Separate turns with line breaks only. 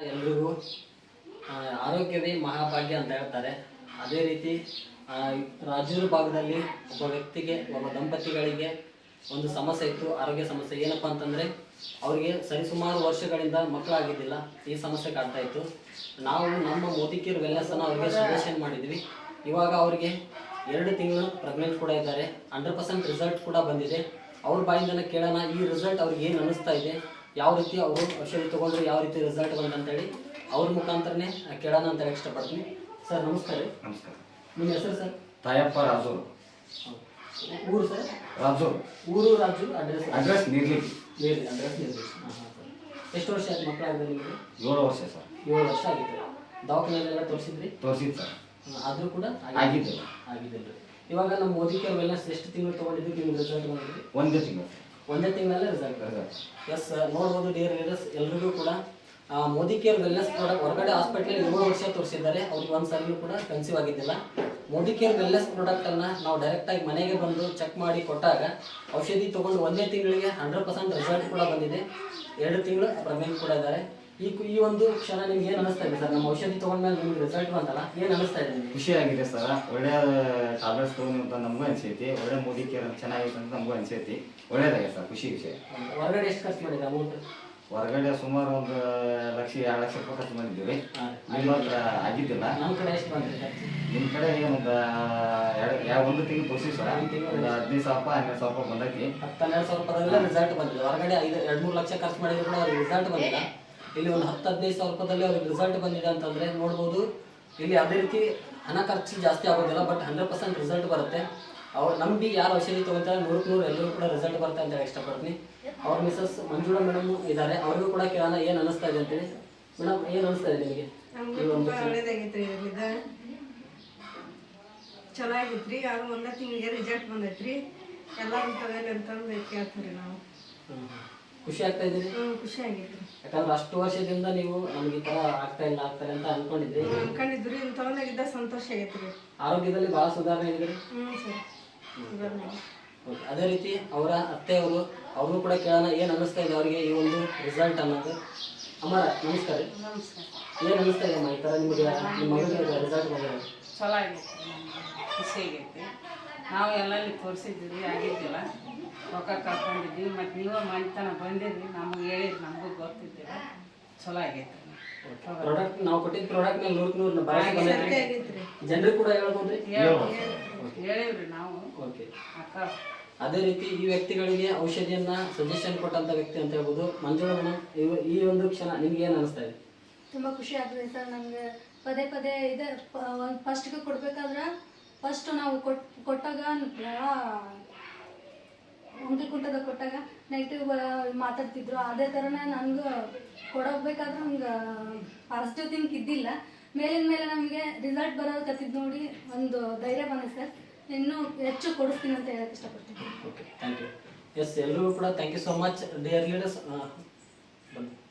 ಎಲ್ರಿಗೂ ಆರೋಗ್ಯವೇ ಮಹಾಭಾಗ್ಯ ಅಂತ ಹೇಳ್ತಾರೆ. ಅದೇ ರೀತಿ ರಾಜೂರು ಭಾಗದಲ್ಲಿ ಒಬ್ಬ ವ್ಯಕ್ತಿಗೆ, ಒಬ್ಬ ದಂಪತಿಗಳಿಗೆ ಒಂದು ಸಮಸ್ಯೆ ಇತ್ತು, ಆರೋಗ್ಯ ಸಮಸ್ಯೆ. ಏನಪ್ಪ ಅಂತಂದರೆ ಅವರಿಗೆ ಸರಿಸುಮಾರು ವರ್ಷಗಳಿಂದ ಮಕ್ಕಳಾಗಿದ್ದಿಲ್ಲ. ಈ ಸಮಸ್ಯೆ ಕಾಡ್ತಾ ಇತ್ತು. ನಾವು ನಮ್ಮ ಮೋದಿಕೇರ್ ವೆಲ್ನೆಸ್ಸನ್ನು ಅವರಿಗೆ ಸಜೆಷನ್ ಮಾಡಿದ್ವಿ. ಇವಾಗ ಅವರಿಗೆ 2 ತಿಂಗಳು ಪ್ರೆಗ್ನೆಂಟ್ ಕೂಡ ಇದ್ದಾರೆ. 100% ರಿಸಲ್ಟ್ ಕೂಡ ಬಂದಿದೆ. ಅವ್ರ ಬಾಯಿಂದನೇ ಕೇಳೋಣ, ಈ ರಿಸಲ್ಟ್ ಅವ್ರಿಗೆ ಏನು ಅನ್ನಿಸ್ತಾ ಇದೆ, ಯಾವ ರೀತಿ ಅವರು ಔಷಧಿ ತೊಗೊಂಡ್ರೆ ಯಾವ ರೀತಿ ರಿಸಲ್ಟ್ ಬಂತಂತೇಳಿ ಅವ್ರ ಮುಖಾಂತರನೇ ಕೇಳೋಣ ಅಂತ ಹೇಳಿ ಇಷ್ಟಪಡ್ತೀನಿ. ಸರ್ ನಮಸ್ಕಾರ.
ನಮಸ್ಕಾರ.
ನಿಮ್ಮ ಹೆಸರು ಸರ್?
ತಾಯಪ್ಪ ರಾಜೂರು.
ಊರು ಸರ್?
ರಾಜೂರು.
ಊರು ರಾಜು.
ಅಡ್ರೆಸ್ ನೀರ್ಲಿ.
ಅಡ್ರೆಸ್ ನೀರ್ಲಿ. ಹಾಂ ಸರ್. ಎಷ್ಟು ವರ್ಷ ಆಯ್ತು ಮಕ್ಕಳಾಗಿದೆ ನಿಮಗೆ?
7 ವರ್ಷ ಸರ್.
7 ವರ್ಷ ಆಗಿತ್ತು. ದವಾಖಾನೆಯಲ್ಲೆಲ್ಲ ತೋರಿಸಿದ್ರಿ?
ತೋರಿಸಿದ್ದು ಸರ್.
ಆದರೂ ಕೂಡ
ಆಗಿದ್ದಿಲ್ಲ.
ಇವಾಗ ನಮ್ಮ ಮೋದಿಕೇರ್ ವೆಲ್ನೆಸ್ ಎಷ್ಟು ತಿಂಗಳು ತೊಗೊಂಡಿದ್ದು ನಿಮ್ಗೆ ರಿಸಲ್ಟ್ ಬಂದಿದ್ರಿ?
1 ತಿಂಗಳು.
1 ತಿಂಗಳಲ್ಲೇ ರಿಸಲ್ಟ್. ಎಸ್ ನೋಡ್ಬೋದು ಡಿಯರ್ ಲೀಡರ್ಸ್, ಎಲ್ರಿಗೂ ಕೂಡ ಮೋದಿಕೇರ್ ವೆಲ್ನೆಸ್ ಪ್ರಾಡಕ್ಟ್ ಹೊರಗಡೆ ಹಾಸ್ಪಿಟಲ್ 7 ವರ್ಷ ತೋರಿಸಿದ್ದಾರೆ. ಅವ್ರಿಗೆ ಒಂದು ಸರಿನೂ ಕೂಡ ಕನ್ಸೀವ್ ಆಗಿದ್ದಿಲ್ಲ. ಮೋದಿಕೇರ್ ವೆಲ್ನೆಸ್ ಪ್ರಾಡಕ್ಟನ್ನು ನಾವು ಡೈರೆಕ್ಟಾಗಿ ಮನೆಗೆ ಬಂದು ಚೆಕ್ ಮಾಡಿ ಕೊಟ್ಟಾಗ ಔಷಧಿ ತೊಗೊಂಡು 1 ತಿಂಗಳಿಗೆ 100% ರಿಸಲ್ಟ್ ಕೂಡ ಬಂದಿದೆ. 2 ತಿಂಗಳು ಪ್ರೆಗ್ನೆಂಟ್ ಕೂಡ ಇದ್ದಾರೆ. ಈ ಒಂದು ಕ್ಷಣ ನಿಮ್ಗೆ ಏನು ಅನಿಸ್ತಾ ಇದೆ ಸರ್? ನಮ್ಮ ಔಷಧಿ ತೊಗೊಂಡ್ಮೇಲೆ ನಿಮ್ಗೆ ರಿಸಲ್ಟ್ ಬಂತಲ್ಲ, ಏನು ಅನಿಸ್ತಾ ಇದೆ ನಿಮಗೆ?
ಖುಷಿ ಆಗಿದೆ ಸರ್. ಒಳ್ಳೆಯ ಟ್ಯಾಬ್ಲೆಟ್ಸ್ ತೊಗೊಂಡು ಅಂತ ನಮಗೂ ಅನಿಸೈತಿ. ಒಳ್ಳೆ ಮೋದಿಕೇರ್ ಚೆನ್ನಾಗೈತೆ ಅಂತ ನಮಗೂ ಅನಿಸೈತಿ. ಒಳ್ಳೇದಾಗಿದೆ ಸರ್, ಖುಷಿ ವಿಷಯ.
ಹೊರಗಡೆ ಎಷ್ಟು ಖರ್ಚು ಮಾಡಿದೆ ಅಮೌಂಟ್?
ಹೊರಗಡೆ ಸುಮಾರು 1 ಲಕ್ಷ 2 ಲಕ್ಷ ರೂಪಾಯಿ ಖರ್ಚು ಮಾಡಿದ್ದೀವಿ. ನಿಮ್ಮ ಹತ್ರ ಆಗಿದ್ದಿಲ್ಲ.
ನಮ್ಮ ಕಡೆ ಎಷ್ಟು ಬಂದಿದೆ?
ನಿಮ್ಮ ಕಡೆ ಒಂದು 1 ತಿಂಗಳು ತೋರಿಸಿ ಸರ್. ಒಂದು 15,000 12,000 ರೂಪಾಯಿ ಬಂದೈತಿ.
12,000 ರೂಪಾಯಿದಲ್ಲೇ ರಿಸಲ್ಟ್ ಬಂದಿದೆ. ಹೊರಗಡೆ 2-3 ಲಕ್ಷ ಖರ್ಚು ಮಾಡಿದ್ರು ಕೂಡ ಅವ್ರಿಗೆ ರಿಸಲ್ಟ್ ಬಂದಿಲ್ಲ. ಇಲ್ಲಿ ಒಂದು 10-15,000 ರೂಪಾಯಿದಲ್ಲಿ ಅವ್ರಿಗೆ ರಿಸಲ್ಟ್ ಬಂದಿದೆ ಅಂತಂದರೆ ನೋಡ್ಬೋದು. ಇಲ್ಲಿ ಅದೇ ರೀತಿ ಹಣ ಖರ್ಚು ಜಾಸ್ತಿ ಆಗೋದಿಲ್ಲ, ಬಟ್ 100% ರಿಸಲ್ಟ್ ಬರುತ್ತೆ. ಅವ್ರು ನಂಬಿ ಯಾರು ಔಷಧಿ ತೊಗೊಳ್ತಾರೆ 100% ಎಲ್ಲರೂ ಕೂಡ ರಿಸಲ್ಟ್ ಬರುತ್ತೆ ಅಂತ ಹೇಳಿ ಇಷ್ಟಪಡ್ತೀನಿ. ಅವ್ರ ಮಿಸಸ್ ಮಂಜುಳಾ ಮೇಡಮ್ ಇದ್ದಾರೆ, ಅವ್ರಿಗೂ ಕೂಡ ಕೇಳೋಣ ಏನು ಅನ್ನಿಸ್ತಾ ಇದೆ ಅಂತೇಳಿ. ಮೇಡಮ್, ಏನು ಅನ್ನಿಸ್ತಾ ಇದೆ ನಿಮಗೆ?
ಒಳ್ಳೇದಾಗೈತ್ರಿ. ಚಲೋ ಆಗೈತ್ರಿ. ಅದು 1 ತಿಂಗಳಿಗೆ ರಿಸಲ್ಟ್ ಬಂದೈತ್ರಿ. ಎಲ್ಲರೂ ತಗೋಲಿ ಅಂತಂದು ಕೇಳ್ತೀವಿ ನಾವು.
ಖುಷಿ ಆಗ್ತಾ ಇದ್ದೀರಿ?
ಖುಷಿ ಆಗೈತ್ರಿ.
ಯಾಕಂದ್ರೆ ಅಷ್ಟು ವರ್ಷದಿಂದ ನೀವು ನಮ್ಗೆ ಈ ಥರ ಆಗ್ತಾರೆ ಅಂತ ಅನ್ಕೊಂಡಿದ್ರಿ.
ತಗೊಂಡಾಗಿದ್ದ ಸಂತೋಷ ಆಗೈತ್ರಿ.
ಆರೋಗ್ಯದಲ್ಲಿ ಭಾಳ ಸುಧಾರಣೆ ಇದ್ರಿ. ಅದೇ ರೀತಿ ಅವರ ಅತ್ತೆಯವರು, ಅವ್ರನ್ನೂ ಕೂಡ ಕೇಳೋಣ ಏನು ಅನ್ನಿಸ್ತಾ ಇದೆ ಅವರಿಗೆ ಈ ಒಂದು ರಿಸಲ್ಟ್ ಅನ್ನೋದು. ಅಮ್ಮ ನಮಸ್ಕಾರ. ಏನು ಅನ್ನಿಸ್ತಾ ಇದೆ ಅಮ್ಮ ಈ ಥರ ನಿಮಗೆ ನಿಮ್ಮ ಮಗಳಿಗೆ ರಿಸಲ್ಟ್ ಬಂದಿರೋದು?
ಚಲೋ ಆಗೈತಿ, ಖುಷಿ ಆಗೈತಿ. ನಾವು ಎಲ್ಲಲ್ಲಿ ತೋರಿಸಿದ್ವಿ, ಆಗಿದ್ದಿಲ್ಲ. ರೊಕ್ಕ ಕಳ್ಕೊಂಡಿದ್ವಿ. ಮತ್ತು ನೀವು ಮನೆತನ ಬಂದಿದ್ರಿ, ನಮಗೆ ಹೇಳಿದ್ರಿ, ನಮಗೂ ಗೊತ್ತಿದ್ದಿಲ್ಲ. ಚಲೋ ಆಗೈತಿ.
ಪ್ರಾಡಕ್ಟ್ ನಾವು ಕೊಟ್ಟಿದ್ದ ಪ್ರಾಡಕ್ಟ್ ಮೇಲೆ 100% ಜನರಿಗೆ ಕೂಡ ಹೇಳ್ಬೋದ್ರಿ?
ಹೇಳಿವ್ರಿ ನಾವು.
ಓಕೆ.
ಅಕ್ಕ
ಅದೇ ರೀತಿ ಈ ವ್ಯಕ್ತಿಗಳಿಗೆ ಔಷಧಿಯನ್ನ ಸಜೆಷನ್ ಕೊಟ್ಟಂತ ವ್ಯಕ್ತಿ ಅಂತ ಹೇಳ್ಬೋದು. ಮಂಜುಳಾ ಮೇಡಮ್, ಈ ಒಂದು ಕ್ಷಣ ನಿಮ್ಗೆ ಏನು ಅನಿಸ್ತಾ ಇದೆ?
ತುಂಬ ಖುಷಿ ಆಗ್ತದೆ ಸರ್. ನನಗೆ ಪದೇ ಇದೆ. ಫಸ್ಟ್ಗೆ ಕೊಡ್ಬೇಕಾದ್ರೆ ಫಸ್ಟ್ ನಾವು ಕೊಟ್ಟಾಗ ಅಂಕಲ್ ಕುಂಟದ ಕೊಟ್ಟಾಗ ನೆಗೆಟಿವ್ ಮಾತಾಡ್ತಿದ್ರು. ಅದೇ ಥರನೇ ನನಗೂ ಕೊಡೋಗ್ಬೇಕಾದ್ರೆ ನಮ್ಗೆ ಪಾಸಿಟಿವ್ ಥಿಂಕ್ ಇದ್ದಿಲ್ಲ. ಮೇಲಿನ ಮೇಲೆ ನಮಗೆ ರಿಸಲ್ಟ್ ಬರೋಕತ್ತಿದ್ದು ನೋಡಿ ಒಂದು ಧೈರ್ಯ ಬಂದಿದೆ ಸರ್. ಇನ್ನೂ ಹೆಚ್ಚು ಕೊಡಿಸ್ತೀನಿ ಅಂತ ಹೇಳಕ್ಕೆ ಇಷ್ಟಪಡ್ತೀನಿ.
Okay, thank you. ಎಸ್, ಎಲ್ಲರಿಗೂ ಕೂಡ thank you so much dear leaders. ಬನ್ನಿ.